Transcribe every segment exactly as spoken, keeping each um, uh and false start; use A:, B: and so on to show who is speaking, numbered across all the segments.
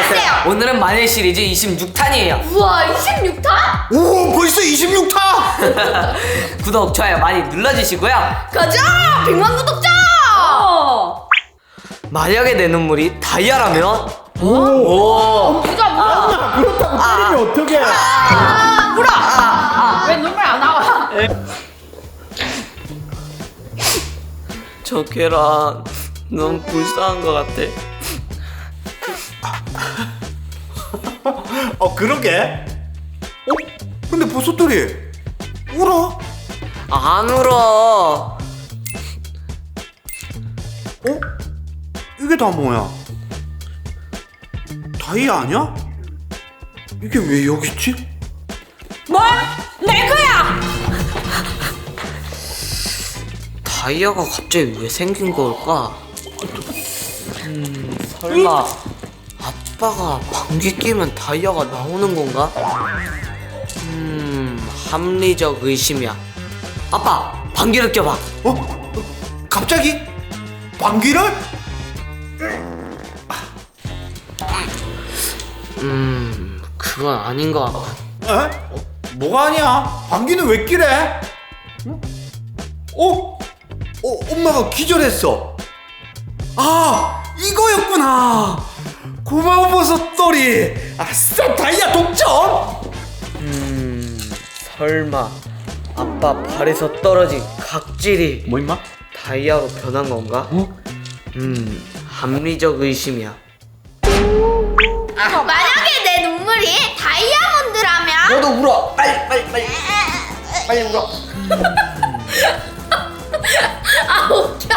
A: 안녕하세요.
B: 오늘은 만일 시리즈 이십육 탄이에요.
A: 우와, 이십육 탄?
C: 오, 벌써 이십육 탄!
B: 구독, 좋아요 많이 눌러주시고요.
A: 가자! 백만 구독자! 어.
B: 만약에 내 눈물이 다이아라면?
C: 오!
B: 오!
A: 보자, 보자.
C: 그렇다고 때리면 어떡해?
A: 아, 물어! 아, 왜 눈물 안 나와?
B: 저 계란 너무 불쌍한 것 같아.
C: 어, 그러게. 어? 근데 버섯돌이 울어?
B: 안 울어.
C: 어? 이게 다 뭐야? 다이아 아니야? 이게 왜 여기 있지?
A: 뭘? 내 거야!
B: 다이아가 갑자기 왜 생긴 걸까? 음, 설마 아빠가 방귀 끼면 다이아가 나오는 건가? 음, 합리적 의심이야. 아빠, 방귀를 껴봐.
C: 어? 어? 갑자기? 방귀를?
B: 음, 그건 아닌 것 같고.
C: 에? 어, 뭐가 아니야? 방귀는 왜 끼래? 응? 어? 어, 엄마가 기절했어. 아, 이거였구나. 고마워 버섯돌이. 아싸, 다이아 독점.
B: 음, 설마 아빠 발에서 떨어진 각질이
C: 뭐 임마?
B: 다이아로 변한 건가?
C: 어?
B: 음, 합리적 의심이야.
A: 만약에 내 눈물이 다이아몬드라면?
B: 너도 울어. 빨리, 빨리, 빨리. 빨리 울어.
A: 아, 웃겨.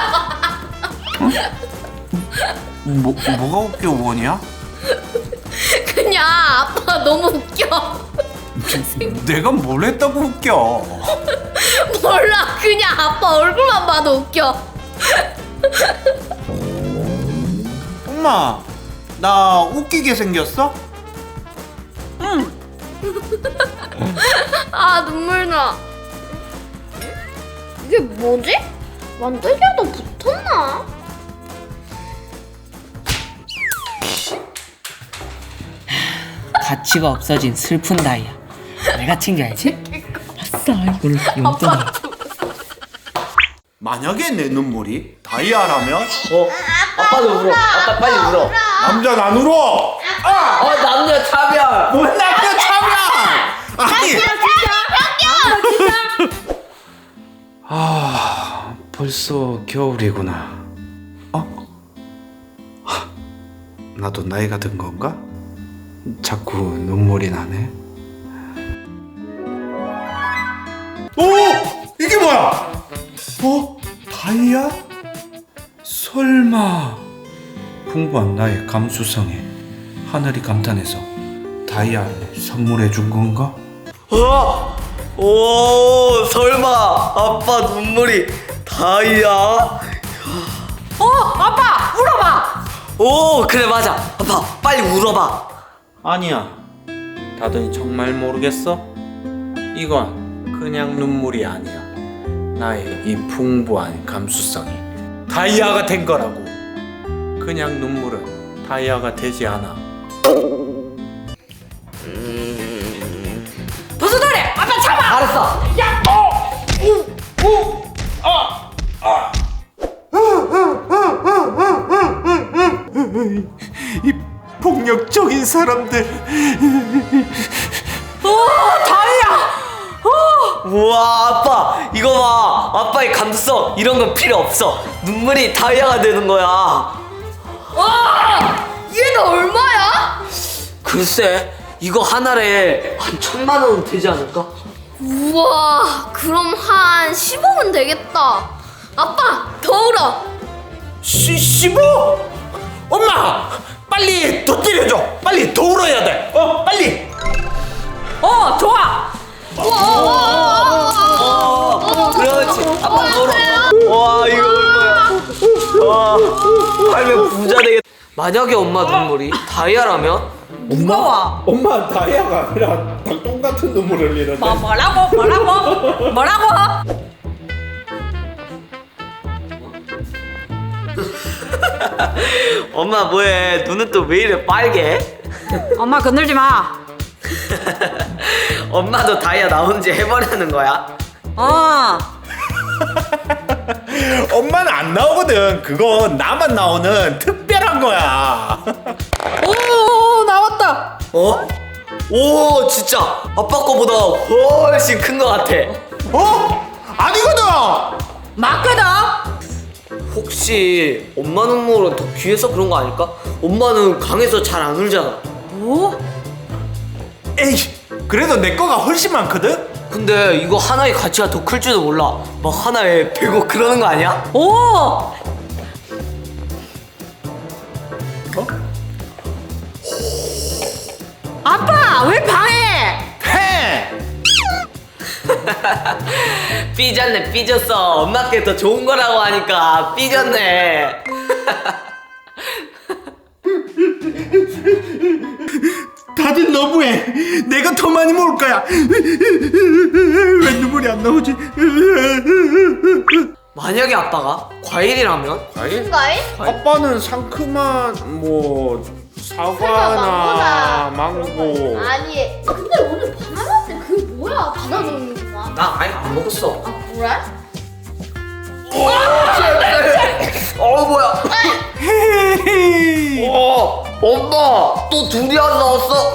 C: 뭐, 뭐가 웃겨, 원이야?
A: 그냥 아빠 너무 웃겨.
C: 내가 뭘 했다고 웃겨?
A: 몰라, 그냥 아빠 얼굴만 봐도 웃겨.
C: 엄마, 나 웃기게 생겼어?
A: 아, 눈물 나. 이게 뭐지? 만들기에도 붙었나?
B: 가치가 없어진 슬픈 다이아. 내가 챙겨야지. 아싸, 이걸 용돈으로.
C: 만약에 내 눈물이 다이아라면?
B: 어, 아빠도 울어. 아빠 빨리 울어.
C: 남자 안 울어! 아!
B: 어, 남녀 차별.
C: 뭔 남자 차별! 아니! 아, 벌써 겨울이구나. 어? 하, 나도 나이가 든 건가? 자꾸 눈물이 나네. 오! 이게 뭐야? 어? 다이아? 설마 풍부한 나의 감수성에 하늘이 감탄해서 다이아를 선물해 준 건가?
B: 어? 오, 설마 아빠 눈물이 다이아?
A: 어, 아빠, 울어봐.
B: 오, 그래 맞아. 아빠 빨리 울어봐.
D: 아니야. 다들 정말 모르겠어? 이건 그냥 눈물이 아니야. 나의 이 풍부한 감수성이 다이아가 된 거라고. 그냥 눈물은 다이아가 되지 않아.
A: 부수돌이, 아빠 참아.
B: 알았어.
A: 야, 어, 우, 우, 아, 아.
C: 이 폭력적인 사람들.
A: 오, 다이아.
B: 우와, 아빠 이거 봐. 아빠의 감수성 이런 건 필요 없어. 눈물이 다이아가 되는 거야.
A: 와, 얘는 얼마야?
B: 글쎄, 이거 하나에 한 천만 원은 되지 않을까?
A: 우와, 그럼 한 십억은 되겠다. 아빠, 더 울어.
C: 시, 십오? 엄마! 빨리 더 때려줘! 빨리 더 울어야 돼! 어, 빨리!
A: 어, 좋아.
B: 어, 그렇지. 아빠 울어. 와, 이거 얼마야? 와, 팔면 부자 되겠다. 만약에 엄마 눈물이 다이아라면?
C: 엄마? 엄마 다이아가 아니라 닭똥 같은 눈물을 흘리는데.
A: 뭐, 뭐라고? 뭐라고? 뭐라고?
B: 엄마 뭐해? 눈은 또 왜 이래 빨개?
E: 엄마 건들지 마.
B: 엄마도 다이아 나온 지 해보려는 거야?
E: 어.
C: 엄마는 안 나오거든. 그거 나만 나오는 특별한 거야.
E: 오 나왔다.
B: 어? 오 진짜 아빠 거보다 훨씬 큰 거 같아.
C: 어? 아니거든.
E: 맞거든.
B: 혹시 엄마 눈물은 더 귀해서 그런 거 아닐까? 엄마는 강해서 잘 안 울잖아.
E: 오?
C: 에이, 그래도 내 거가 훨씬 많거든.
B: 근데 이거 하나의 가치가 더 클 줄도 몰라. 막 하나에 백억 그러는 거 아니야?
E: 오.
C: 어?
E: 아빠 왜 방해?
C: 해.
B: 삐졌네 삐졌어. 엄마께 더 좋은 거라고 하니까 삐졌네.
C: 다들 너무해. 내가 더 많이 먹을 거야. 왜 눈물이 안 나오지?
B: 만약에 아빠가 과일이라면?
D: 과일?
A: 과일?
D: 아빠는 상큼한 뭐 사과나 망고.
A: 아니 근데 오늘 바나나인데 그게 뭐야? 바나나인구나.
B: 나 아예 안 먹었어.
A: 아 그래?
B: 어 뭐야? 어 엄마 또 두리안 나왔어.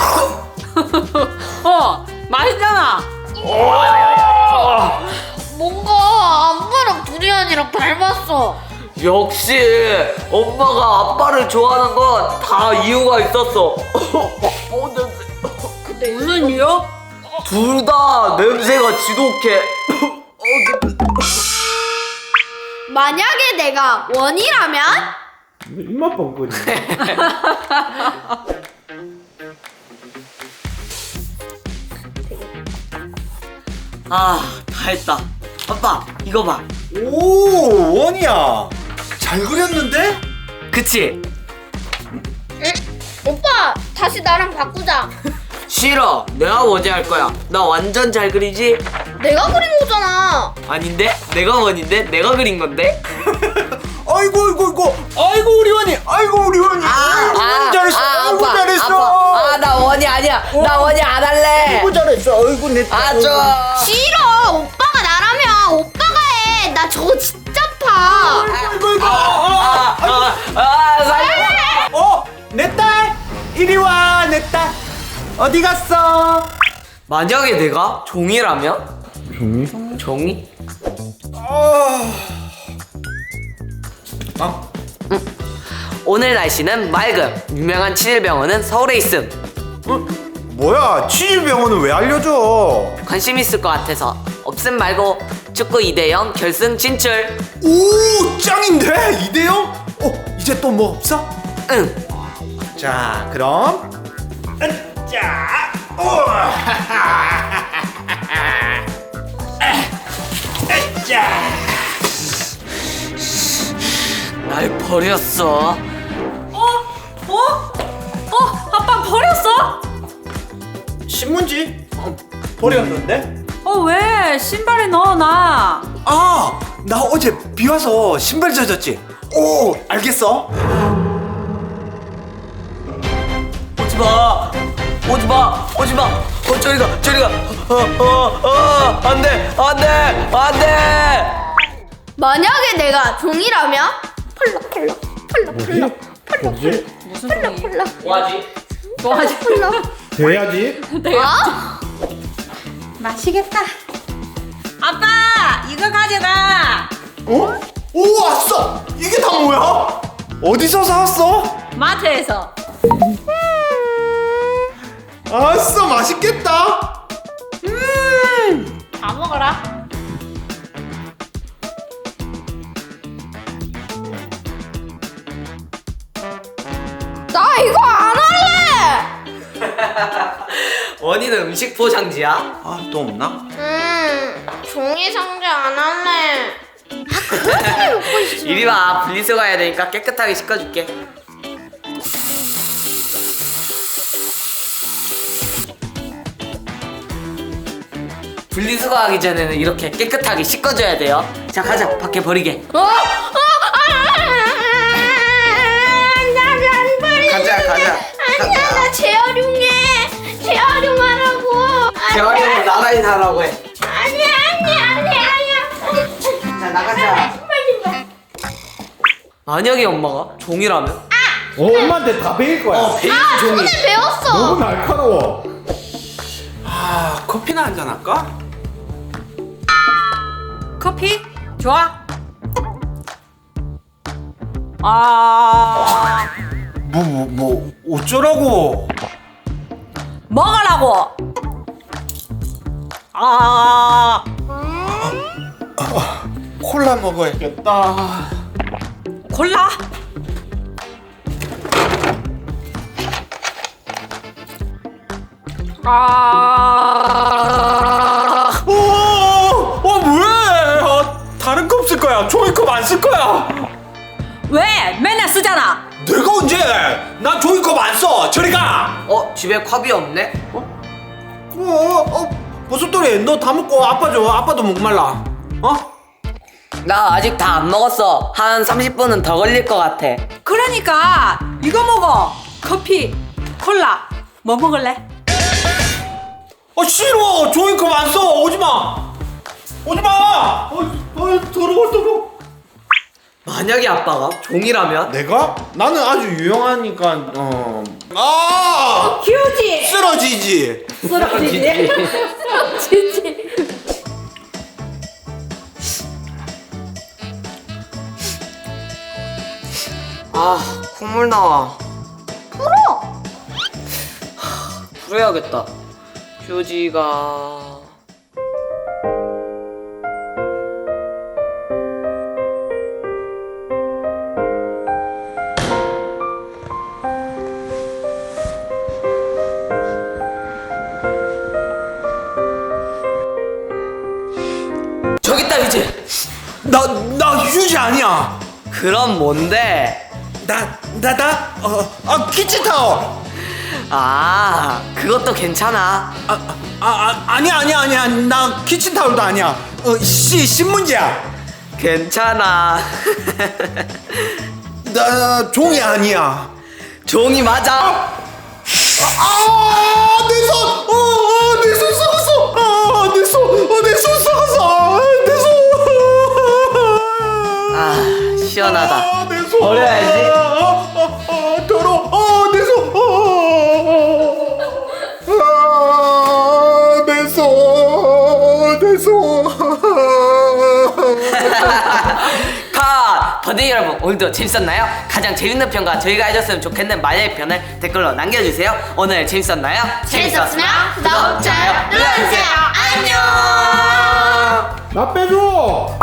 E: 어 맛있잖아.
A: 뭔가 아빠랑 두리안이랑 닮았어.
B: 역시 엄마가 아빠를 좋아하는 건 다 이유가 있었어. 어 냄새.
E: 무슨 이유?
B: 둘 다 냄새가 지독해. 어, 냄새.
A: 만약에 내가 원이라면?
C: 입맛 뻥거리.
B: 아, 다 했다. 아빠, 이거 봐.
C: 오, 원이야. 잘 그렸는데?
B: 그치?
A: 응? 오빠 다시 나랑 바꾸자.
B: 싫어. 내가 원이 할 거야. 나 완전 잘 그리지?
A: 내가 그린 거잖아.
B: 아닌데? 내가 원인데? 내가 그린 건데?
C: 아이고, 아이고, 아이고. 아이고, 우리 원이. 아이고, 우리 원이. 아이고, 잘했어. 아이고, 잘했어.
B: 아, 나 원이 아니야. 나 원이 안 할래.
C: 아이고, 잘했어. 아이고, 내.
B: 아, 좋아.
A: 싫어. 오빠가 나라면 오빠가 해. 나 저거 진짜 파.
C: 아이고, 아이고.
B: 아, 아, 아, 살려.
C: 어, 내 딸. 이리 와, 내 딸. 어디 갔어?
B: 만약에 내가 종이라면? 종이? 종이?
C: 아. 아.
B: 오늘 날씨는 맑음. 유명한 치질병원은 서울에 있음.
C: 어? 뭐야? 치질병원은 왜 알려줘?
B: 관심 있을 것 같아서. 없음 말고 축구 이 대 영 결승 진출.
C: 오, 짱인데? 이 대 영? 어, 이제 또 뭐 없어?
B: 응.
C: 자, 그럼 자, 오, 자,
B: 날 버렸어.
E: 어? 어? 어? 아빠 버렸어?
C: 신문지 어, 버렸는데?
E: 어 왜? 신발에 넣어놔.
C: 아, 나 어제 비 와서 신발 젖었지. 오, 알겠어.
B: 오지 마. 오지 마. 오지 마. 어, 저리 가. 저리 가. 어, 어, 어, 안 돼. 안 돼. 안 돼.
A: 만약에 내가 종이라면? 펄럭 펄럭 펄럭 펄럭 펄럭 펄럭
E: 무슨
A: 펄럭
E: 소리?
A: 펄럭
B: 뭐하지?
E: 뭐하지?
A: 펄럭.
C: 돼야지.
A: 어?
E: 마시겠다. 아빠 이거 가져가.
C: 어? 오, 왔어. 이게 다 뭐야? 어디서 사왔어?
E: 마트에서.
C: 아싸, 맛있겠다.
E: 다 먹어라.
A: 나 이거 안 할래.
B: 원희는 음식 포장지야?
C: 아, 또 없나?
A: 음 종이 상자 안 할래. 아 그렇게 먹고 있어.
B: 이리 와. 분리수거 해야 되니까 깨끗하게 씻어줄게. 분리수거하기 전에는 이렇게 깨끗하게 씻어줘야 돼요. 자, 가자. 밖에 버리게.
A: 어? 어? 아, 나안 버리.
B: 가자, 가자. 가자. 빨리 나라고 해.
A: 아니야 아니야 아니야 아니야.
B: 자 나가자.
A: 신발 신발.
B: 만약에 엄마가 종이라면?
D: 어, 엄마한테 다 배일 거야.
B: 어 베이비
A: 아
B: 종이.
A: 손에 배웠어.
D: 너무 날카로워.
C: 아 커피나 한잔 할까?
E: 커피? 좋아. 아,
C: 뭐 뭐 뭐 어쩌라고?
E: 먹으라고. 아,
C: 콜라 먹어야겠다.
E: 콜라? 아,
C: 어, 어 뭐해? 어, 다른 컵 쓸 거야. 종이컵 안 쓸 거야.
E: 왜? 맨날 쓰잖아.
C: 내가 언제? 난 종이컵 안 써. 저리 가.
B: 어 집에 컵이 없네?
C: 어, 어, 어, 무슨 소리? 너 다 먹고 아빠 줘. 아빠도 목말라. 어?
B: 나 아직 다 안 먹었어. 한 삼십 분은 더 걸릴 것 같아.
E: 그러니까 이거 먹어. 커피, 콜라. 뭐 먹을래?
C: 어 싫어. 종이컵 안 써. 오지 마. 오지 마. 어, 어 더러워 더러워.
B: 만약에 아빠가 종이라면?
D: 내가? 나는 아주 유용하니까 어.
C: 아
E: 휴지.
C: 쓰러지지.
E: 쓰러지지.
A: 지지.
B: 아 콧물 나와.
A: 풀어.
B: 풀어야겠다. 휴지가 저기 있다 휴지.
C: 나 나 휴지 아니야.
B: 그럼 뭔데?
C: 나 나 나 어, 아 키친타올.
B: 아 그것도 괜찮아.
C: 아, 아, 아 아니야 아니야 아니야. 나 키친타올도 아니야. 어씨 신문지야.
B: 괜찮아.
C: 나 종이 아니야.
B: 종이 맞아.
C: 아, 내 손! 어, 어, 내 손 썩었어! 아, 내 손! 어, 내 손 썩었어! 아, 내 손!
B: 아 시원하다.
C: 아, 내 손!
B: 버려야지.
C: 아, 아, 아, 아, 더러워! 아, 내 손! 아, 내 손! 내 손!
B: 컷! 버디 여러분 오늘도 재밌었나요? 가장 재밌는 편과 저희가 해줬으면 좋겠는 만약의 편을 댓글로 남겨주세요. 오늘 재밌었나요?
A: 재밌었으면 구독, 좋아요 눌러주세요. 안녕.
D: 나 빼줘.